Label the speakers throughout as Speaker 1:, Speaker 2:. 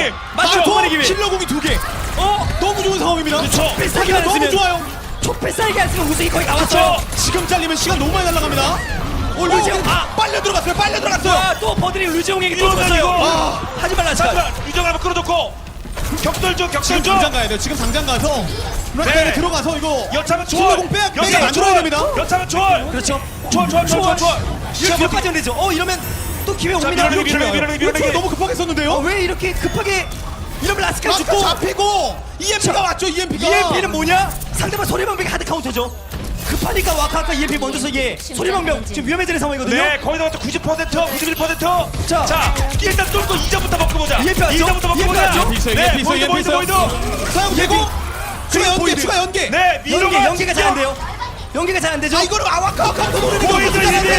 Speaker 1: 맞죠?
Speaker 2: 마토
Speaker 1: 기회.
Speaker 2: 킬러공이 2개. 너무 좋은 상황입니다.
Speaker 1: 그렇죠.
Speaker 2: 뺏기가 너무 좋아요.
Speaker 1: 촉배싸게 안 쓰면 우승이 거의 나왔죠.
Speaker 2: 그렇죠. 지금 잘리면 시간 너무 많이 날아갑니다.
Speaker 1: 루지용,
Speaker 2: 빨려 들어갔어요. 빨려 들어갔어요.
Speaker 1: 또 버들이 루지용에게 또
Speaker 3: 이거는
Speaker 1: 줬어요.
Speaker 3: 이거.
Speaker 1: 하지만 라스칼.
Speaker 3: 유정을 한번 끌어줬고 격돌 중 격돌
Speaker 2: 지금
Speaker 3: 중.
Speaker 2: 당장 가야 돼요. 지금 당장 가서
Speaker 3: 네.
Speaker 2: 들어가서 이거
Speaker 3: 여차면 초월.
Speaker 2: 킬러공 빼야 만들어야 됩니다.
Speaker 3: 여차면 초월.
Speaker 1: 그렇죠.
Speaker 3: 초월.
Speaker 1: 이렇게 몇 빠지면 되죠. 이러면 또 기회 옵니다.
Speaker 2: 이거 너무 급하게 썼는데요.
Speaker 1: 왜 이렇게 급하게 이러면 라스칼
Speaker 2: 라스카
Speaker 1: 죽고
Speaker 2: 잡히고 EMP가 왔죠. EMP가.
Speaker 1: EMP는 뭐냐? 상대방 소리방벽이 하드 카운터죠. 급하니까 와카카 EMP 먼저 서 예. 소리방벽 지금 위험해지는 상황이거든요.
Speaker 3: 네, 거의 다 90%, 91%.
Speaker 1: 자.
Speaker 3: 일단 뚫고 2점부터 먹고 보자.
Speaker 1: EMP 왔죠?
Speaker 3: 2점부터 먹고
Speaker 1: EMP
Speaker 3: 보자.
Speaker 1: 왔죠?
Speaker 2: EMP 있어요,
Speaker 3: 보이드.
Speaker 2: 사용되고 추가 연계.
Speaker 3: 네, 미로가
Speaker 1: 연계가 잘 안 돼요. 연계가 잘 안 되죠.
Speaker 2: 이거를 아와카카 노리는
Speaker 3: 보이드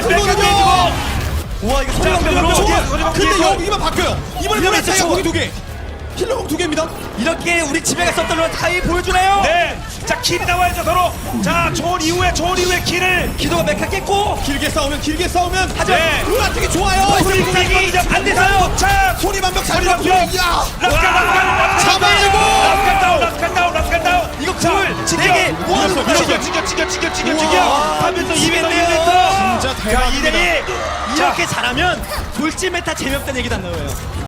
Speaker 1: 와 이거 소리방벽으로
Speaker 2: 근데 여기만 바뀌어요. 이번에
Speaker 1: 이번에
Speaker 2: 차이가
Speaker 1: 저-
Speaker 2: 거기 2개. 킬러공 2개입니다.
Speaker 1: 이렇게 우리 집에 갔었던 런 타이 보여주나요?
Speaker 3: 네, 자 킬이 나와야죠 서로. 자, 좋은 이후에 킬을.
Speaker 1: 기도가 메카 깼고
Speaker 2: 길게 싸우면
Speaker 1: 하지만
Speaker 3: 네.
Speaker 2: 루나 되게 좋아요.
Speaker 3: 불이익이 이제 안 돼서요. 자,
Speaker 2: 소리 반벽 잘
Speaker 3: 소리
Speaker 2: 잡고.
Speaker 3: 반벽.
Speaker 2: 야.
Speaker 3: 잡아내고. 라스칼 다운.
Speaker 1: 이거
Speaker 3: 자,
Speaker 1: 굴 되게
Speaker 2: 밀었어, 밀었어.
Speaker 3: 지겨. 하면서 2m.
Speaker 2: 진짜
Speaker 3: 자,
Speaker 2: 대박입니다.
Speaker 3: 2대2.
Speaker 1: 이렇게 잘하면 돌진 메타 재미없다는 얘기도 안 나와요.